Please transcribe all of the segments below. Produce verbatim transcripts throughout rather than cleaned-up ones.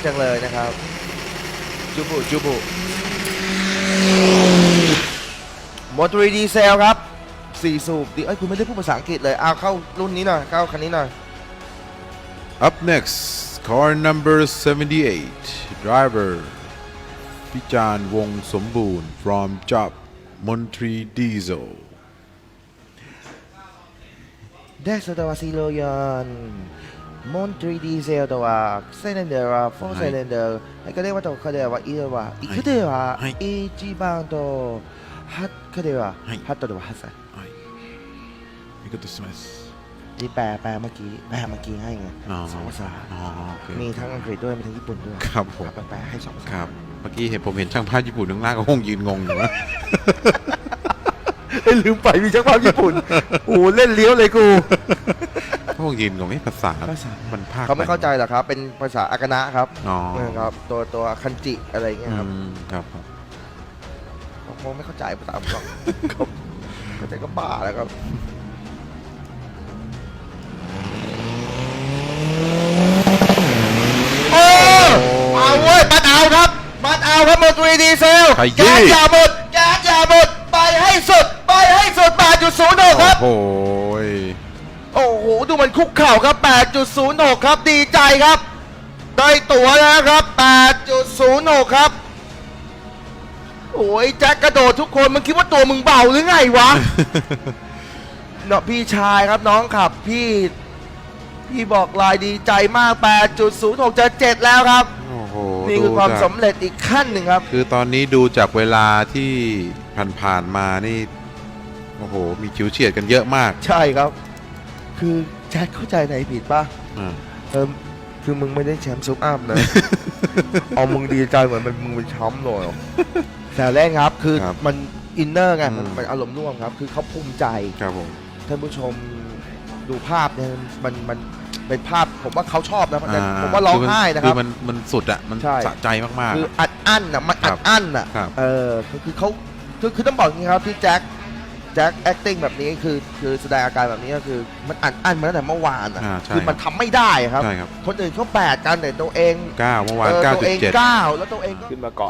จังเลยนะครับจูบุจูบุมอเตอร์ดีเซลครับสี่สูบดิเอ้ยคุณไม่ได้พูดภาษาอังกฤษเลยเอาเข้ารุ่นนี้หน่อยเข้าคันนี้หน่อย Up next, car number seventy-eight, driver Pijan Wong Somboon from Job Montri Diesel. ได้สตาร์ซีโรยอนมอนทรีดีเซลตัวเซเลนเดอร์โฟร์เซเลนเดอร์ไอ้ก็เรียกว่าตัวเขาเรียกว่าอีเดว่าอีกเดียวว่าอีจีบังตัวฮัตเขาเรียกว่าฮัตตัวฮัตไซはい。ありがとうございます。 ที่แปลแปลเมื่อกี้แปลเมื่อกี้ให้ไงอ๋อสองภาษาอ๋อโอเคมีทั้งอังกฤษด้วยมีทั้งญี่ปุ่นด้วยครับผมแปลให้สองภาษาครับ เมื่อกี้เห็นผมเห็นช่างภาพญี่ปุ่นข้างล่างก็คงยืนงงอยู่นะเอ้ยลืมไปมีช่างภาพญี่ปุ่นโอ้เล่นเลี้ยวเลยกูก็คงยืนงงไอ้ภาษาภาษามันภาคเขาไม่เข้าใจหรอกครับเป็นภาษาอากานะครับอ๋อนะครับตัวตัวคันจิอะไรเงี้ยครับอืมครับผมเขาคงไม่เข้าใจภาษาผมหรอกเขาเข้าใจก็บ้าแล้วครับโอ้เอาเว้ยบัดเอาครับบัดเอาครับมอเตอร์ดีเซลขยี้แก๊สอย่าหมดแก๊สอย่าหมดไปให้สุดไปให้สุด แปดจุดศูนย์หก ครับโอ้ยโอ้โหดูมันคุกเข่าครับ แปดจุดศูนย์หก ครับดีใจครับได้ตั๋วแล้วครับ แปดจุดศูนย์หก ครับโอ้ยแจ็คกระโดดทุกคนมึงคิดว่าตัวมึงเบาหรือไงวะ เนาะพี่ชายครับน้องขับพี่พี่บอกลายดีใจมาก แปดจุดศูนย์หก จะเจ็ดแล้วครับโอ้โหนี่คือความดูจกสำเร็จอีกขั้นหนึ่งครับคือตอนนี้ดูจากเวลาที่ผ่านๆมานี่โอ้โหมีคิวเฉียดกันเยอะมากใช่ครับ คือแจ็คเข้าใจไหนผิดป่ะอ่าเออคือมึงไม่ได้แชมป์ซุปอัพนะ เอามึงดีใจเหมือนมันมึงเป็นแชมป์เลยแต่แรกครับคือครับมันอินเนอร์ไงมันอืมมันอารมณ์ร่วมครับ คือเขาภูมิใจครับผมท่านผู้ชมดูภาพเนี่ยมันมันเป็นภาพผมว่าเขาชอบนะผมว่าร้องไห้นะคคืรับอมันมันสุดอะมันใช่สะใจมากคืออัดอั้นอ่ะมันอัดอั้นอ่ะครับเออคือคือเขาคือคือต้องบอกอย่างนี้ครับที่แจ็คแจ็ค acting แบบนี้คือคือแสดงอาการแบบนี้ก็คือมันอัดอั้นมาตั้งแต่เมื่อวานอ่ะอ่าใช่คือมันทำไม่ได้ครับใช่ครับคนอื่นเขาแปดกันแต่ตัวเองเก้าเมื่อวานเออเก้าตัวจุดเองเจ็ดเก้าแล้วตัวเองก็ขึ้นมาก่อน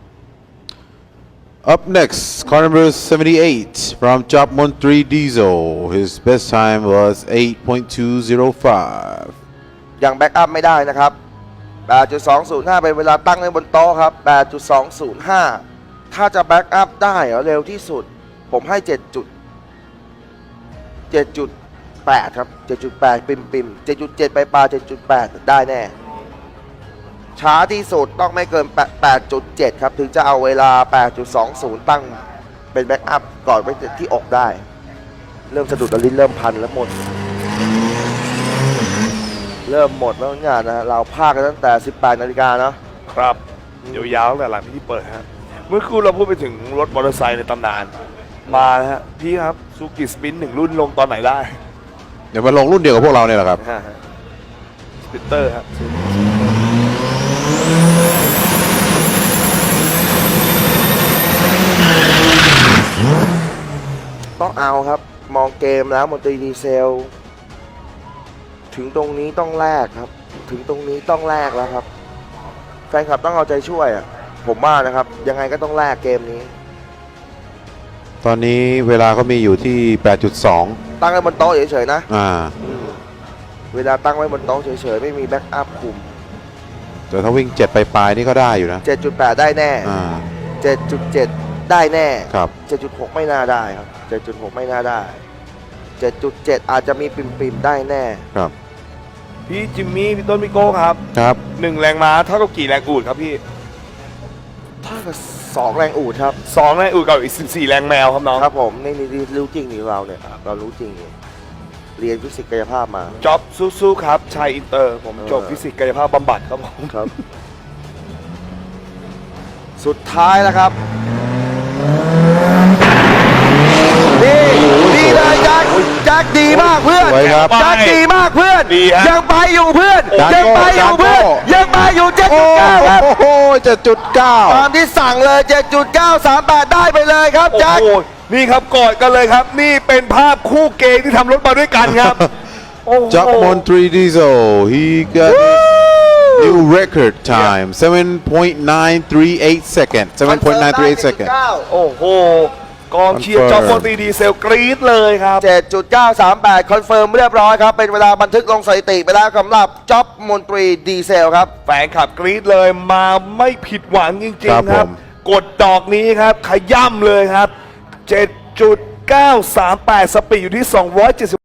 Up next, car number seventy-eight from Job Montri Diesel. His best time was eight point two oh five. ยังแบ็กอัพไม่ได้นะครับ แปดจุดสองศูนย์ห้า เป็นเวลาตั้งไว้บนโต๊ะครับ แปดจุดสองศูนย์ห้า ถ้าจะแบ็กอัพได้เหรอเร็วที่สุด ผมให้ เจ็ดจุดเจ็ดจุดแปด ครับ เจ็ดจุดแปด ปิมปิมเจ็ดจุดเจ็ด ไปปลา เจ็ดจุดแปด ได้แน่ ช้าที่สุดต้องไม่เกิน แปดจุดเจ็ด ครับ ถึงจะเอาเวลา แปดจุดสองศูนย์ ตั้งเป็นแบ็กอัพก่อนไปที่อกได้ เริ่มสะดุดลิ้นเริ่มพันแล้วหมด เริ่มหมดแล้วงานนะเราพากกันตั้งแต่ สิบแปดนาฬิกาเนาะครับยาวๆตั้งแต่หลังพิธีเปิดฮะเมื่อครู่เราพูดไปถึงรถมอเตอร์ไซค์ในตำนาน มานะฮะพี่ครับซูกิสปินหนึ่งรุ่นลงตอนไหนได้เดี๋ยวมาลงรุ่นเดียวกับพวกเราเนี่ยแหละครับสปิตเตอร์ครับต้องเอาครับมองเกมแล้วมอนตรีดีเซล ถึงตรงนี้ต้องแลกครับ ถึงตรงนี้ต้องแลกแล้วครับ แฟนคลับต้องเอาใจช่วยอ่ะผมว่านะครับ ยังไงก็ต้องแลกเกมนี้ตอนนี้เวลาเขามีอยู่ที่ แปดจุดสองตั้งไว้บนโต๊ะเฉยๆนะอ่าอืมเวลาตั้งไว้บนโต๊ะเฉยๆไม่มีแบ็กอัพคุมแต่ถ้าวิ่งเจ็ดไปปลายๆนี่ก็ได้อยู่นะเจ็ดจุดแปด ได้แน่อ่าเจ็ดจุดเจ็ด ได้แน่ครับเจ็ดจุดหก ไม่น่าได้ครับ เจ็ดจุดหก ไม่น่าได้ เจ็ดจุดเจ็ด อาจจะมีปิ่มๆได้แน่ครับพี่จิมมี่พี่ต้นพี่โก้ครับครับหนึ่งแรงม้าเท่ากับกี่แรงอูดครับพี่ถ้ากับสองแรงอูดครับสองแรงอูดกับอีกสิบสี่แรงแมวครับน้องครับผมนี่นี่รู้จริงนี่เราเนี่ยเรารู้จริงนี่เรียนฟิสิกส์กายภาพมาจ็อบสู้ๆครับชายอินเตอร์ ผมเออจบฟิสิกส์กายภาพบำบัดครับผมครับ สุดท้ายแล้วครับนี่ดีเลยแจ็คแจ็คดีมากเพื่อนสวยครับแจ็คดีมากเพื่อนดีฮะยังไปอยู่เพื่อนโอ้ยังไปอยู่เพื่อนโอ้ยังไปอยู่เจ็ดโอ้จุดเก้าครับโหเจ็ดจุดเก้าตามที่สั่งเลยเจ็ดจุดเก้าสามแปดได้ไปเลยครับโอ้แจ็คโหนี่ครับกอดกันเลยครับ นี่เป็นภาพคู่เกย์ที่ทำรถมาด้วยกันครับโอ้โห Job Montri Diesel he got New record time, seven point nine three eight seconds. seven point nine three eight seconds. โอ้โห กองเชียร์จอมพลตรีดีเซลกรี๊ดเลยครับเจ็ดจุดเก้าสามแปด คอนเฟิร์มเรียบร้อยครับ เป็นเวลาบันทึกลงสถิติไปแล้วสำหรับจ็อบมนตรีดีเซลครับแฟนคลับกรี๊ดเลยมาไม่ผิดหวังจริงครับๆ ครับผมกดดอกนี้ครับ ขย่ำเลยครับ เจ็ดจุดเก้าสามแปด สปีดอยู่ที่ สองร้อยเจ็ดสิบ